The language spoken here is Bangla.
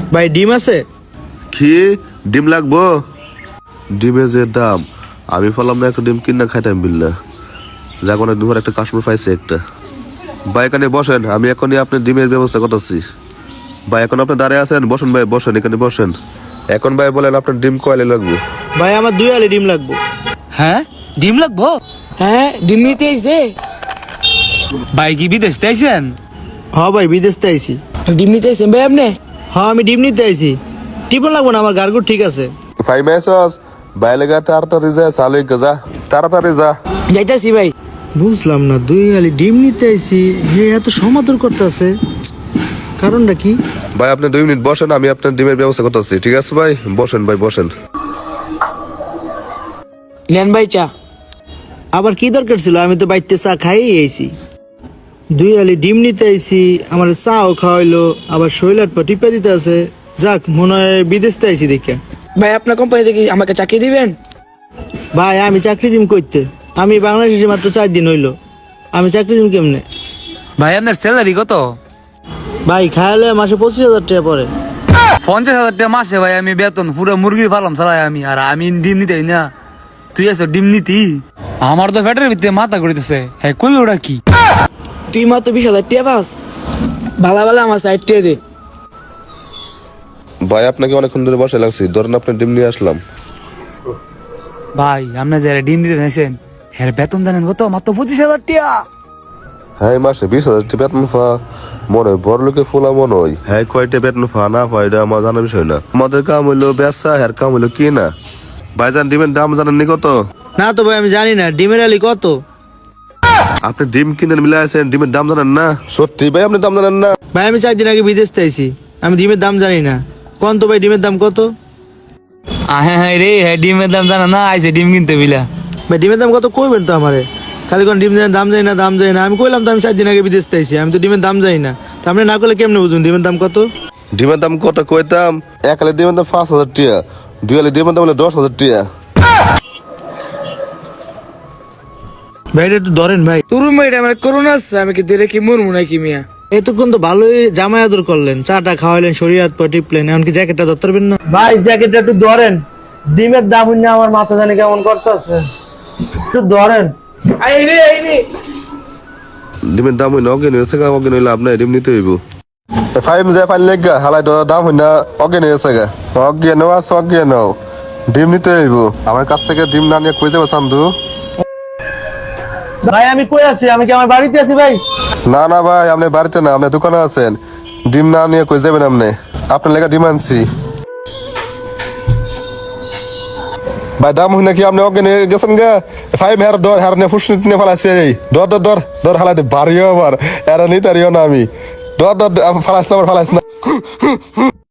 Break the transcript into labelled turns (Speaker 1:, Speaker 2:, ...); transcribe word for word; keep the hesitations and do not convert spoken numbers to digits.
Speaker 1: ভাই ডিম আছে?
Speaker 2: কি ডিম লাগবো? ডিমের যে দাম, আমি বললাম না একটা ডিম কিনা খাইতাম বিল্লা। যাক অনেক দিন একটা কাস্টমার পাইছে একটা। ভাই এখানে বসেন, আমি এখনই আপনার ডিমের ব্যবস্থা করতেছি। ভাই এখন আপনি দাঁড়িয়ে আছেন, বসেন ভাই, বসেন এখানে বসেন। এখন ভাই বলেন আপনার ডিম কয়লে লাগবে?
Speaker 1: ভাই আমার দুই আলি ডিম লাগবো।
Speaker 3: হ্যাঁ ডিম লাগবো?
Speaker 4: হ্যাঁ ডিম নিতে আইছে।
Speaker 3: ভাই কি বিদেশ আইছেন?
Speaker 1: হ্যাঁ ভাই বিদেশ থেকে আইছি।
Speaker 4: ডিম নিতে আইছেন ভাই আপনি?
Speaker 1: হ্যাঁ আমি ডিম নিতে আইছি। টিপন লাগবো না, আমার গার্গুর ঠিক আছে।
Speaker 2: ভাই মেসস ভাই লেগা তাড়াতাড়ি যা, চালু যা, তাড়াতাড়ি যা।
Speaker 4: যাইতাছি ভাই।
Speaker 1: বুঝলাম না, দুই আলি ডিম নিতে আইছি, হে এত সমাদর করতেছে, কারণটা কি?
Speaker 2: ভাই আপনি দুই মিনিট বসেন, আমি আপনার ডিমের ব্যবস্থা করতেছি। ঠিক আছে ভাই, বসেন ভাই বসেন।
Speaker 4: নেন ভাই চা।
Speaker 1: আবার কি দরকার ছিল? আমি তো বাইতে চা খাই আইছি। দুই আলি ডিম নিতে আইছি, আমার চাও খাওয়াইলো, আবার শৈলার পর টিপা দিতে আছে। যাক, মনে হয় বিদেশ থেকে আইছি দেখে।
Speaker 4: ভাই আপনার কোম্পানি থেকে আমাকে চাকরি দিবেন?
Speaker 1: ভাই আমি চাকরি দিম কইতে, আমি বাংলাদেশে মাত্র চার দিন হইলো, আমি চাকরি দিম কেমনে?
Speaker 3: ভাই আপনার স্যালারি কত?
Speaker 1: ভাই খাইলে মাসে পঁচিশ হাজার টাকা পরে।
Speaker 3: পঞ্চাশ হাজার টাকা মাসে ভাই আমি বেতন, পুরো মুরগি ফার্ম চালাই আমি। আর আমি ডিম নিতে না, তুই আছো ডিম নিতি? আমার তো ফ্যাটের ভিতরে মাথা ঘুরিতেছে। হ্যাঁ কই ওটা কি?
Speaker 4: তুই মাত্র বিশ হাজার টাকা পাস? ভালো ভালো আমার সাইড টিয়া দে।
Speaker 2: ভাই আপনাকে অনেকক্ষণ ধরে বসে লাগছি, ধরেন আপনার ডিম নিয়ে আসলাম।
Speaker 3: ভাই আপনার যারা ডিম দিতে নিয়েছেন হ্যাঁ বেতন জানেন কত? মাত্র পঁচিশ হাজার টাকা।
Speaker 2: হ্যাঁ মাসে বিশ হাজার টাকা বেতন ফা, মনে হয় বড় লোকে ফোলা মনে হয়। হ্যাঁ কয়টা বেতন ফা না ফা এটা আমার জানার বিষয় না। আমাদের কাম হইলো ব্যবসা, হ্যার কাম হইলো কি না। ভাইজান ডিমের দাম জানেননি কত?
Speaker 1: না তো ভাই আমি জানি না, ডিমের আলি কত?
Speaker 2: আপনি ডিম কিনে মিলে আছেন, ডিমের দাম জানেন না? সত্যি ভাই আপনি দাম জানেন না?
Speaker 1: ভাই আমি চার দিন আগে বিদেশ থেকে আইছি, আমি ডিমের দাম জানি না। কোন তো ভাই ডিমের দাম কত?
Speaker 3: হ্যাঁ হ্যাঁ রে, হ্যাঁ ডিমের দাম জানা না, আইসে ডিম কিনতে বিলা।
Speaker 1: ভাই ডিমের দাম কত কইবেন তো আমারে? খালি কোন ডিম দাম জানি না, দাম জানি না। আমি কইলাম তো আমি চার দিন আগে বিদেশ থেকে আইছি, আমি তো ডিমের দাম জানি না। তা আপনি না করলে কেমনে বুঝুন ডিমের দাম কত?
Speaker 2: ডিমের দাম কত কইতাম? এক আলি ডিমের দাম পাঁচ হাজার টাকা, দুই আলি ডিমের দাম হলো দশ হাজার টাকা।
Speaker 1: ভাই এটা একটু ধরেন ভাই।
Speaker 4: তোর মেয়েটা আমার করোনা আছে, আমি কি দিলে কি মরমু নাকি মিয়া?
Speaker 1: এতক্ষণ তো ভালোই জামাই আদর করলেন, চাটা খাওয়াইলেন, শরীর হাত পা টিপলেন, এমনকি জ্যাকেটটা ধরতে পারবেন না? ভাই জ্যাকেটটা একটু ধরেন, ডিমের দাম হইনা আমার মাথা জানি কেমন করতেছে, একটু ধরেন।
Speaker 4: আই রে আই রে।
Speaker 2: ডিমের দাম হইনা অজ্ঞান হয়েছে গা, অজ্ঞান হইলে আপনার ডিম নিতে হইব। ফাইভ যায় ফাইন লেগ গা, হালাই দাম হইনা অজ্ঞান হয়েছে গা, অজ্ঞান আছে অজ্ঞান ডিম নিতে হইব। আমার কাছ থেকে ডিম না নিয়ে কই যাবো চান্দু?
Speaker 1: ভাই আমি কই আছি? আমি কি আমার বাড়িতে আছি ভাই?
Speaker 2: না না ভাই আপনি বাড়িতে না, আপনি দোকানে আছেন। ডিম না নিয়ে কই যাবেন আপনি? আপনার লেগে ডিম আনছি ভাই। দাম হই নাকি আপনি অজ্ঞান হয়ে গেছেন গা। ফাইভ হেয়ার দর হেয়ার নিয়ে ফুসনি নিয়ে ফেলাইছে, দর দর দর দর হালাই বাড়িও আবার এরা নিতে না আমি। দর দর ফালাইস না, আবার ফালাইস না।